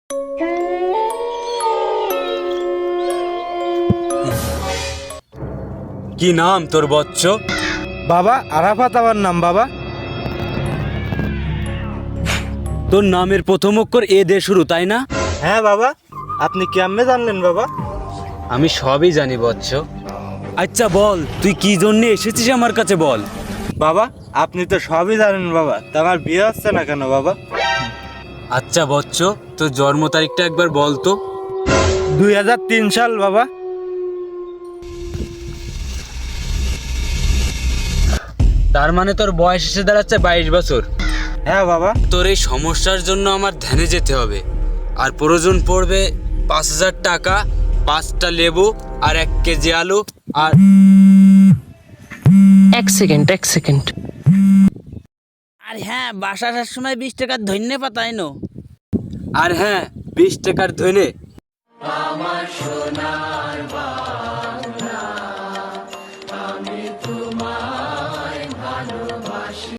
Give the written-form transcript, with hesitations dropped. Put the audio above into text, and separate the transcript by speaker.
Speaker 1: কি নাম তোর বচ্চ?
Speaker 2: বাবা আরাফাত আমার নাম বাবা।
Speaker 1: তোর নামের প্রথম অক্ষর এ দিয়ে শুরু, তাই না?
Speaker 2: হ্যাঁ বাবা, আপনি কেমনে জানলেন বাবা?
Speaker 1: আমি সবই জানি বচ্চ। আচ্ছা বল, তুই কি জন্য এসেছিস আমার কাছে বল।
Speaker 2: বাবা আপনি তো সবই জানেন বাবা, তা আমার বিয়ে হচ্ছে না কেন বাবা?
Speaker 1: আচ্ছা বচ্চ, তোর জন্ম তারিখটা একবার বল তো।
Speaker 2: 2003 সাল বাবা।
Speaker 1: তার মানে তোর বয়স এসে দাঁড়াচ্ছে 22 বছর।
Speaker 2: হ্যাঁ বাবা।
Speaker 1: তোর এই সমস্যার জন্য আমার ধ্যানে যেতে হবে, আর প্রয়োজন পড়বে 5,000 টাকা, 5টা লেবু আর 1 কেজি আলু আর
Speaker 3: এক সেকেন্ড।
Speaker 4: আর হ্যাঁ, বাসা আসার সময় 20 টাকার ধন্যে পাতাই নো।
Speaker 1: আর হ্যাঁ, 20 টাকার ধনে।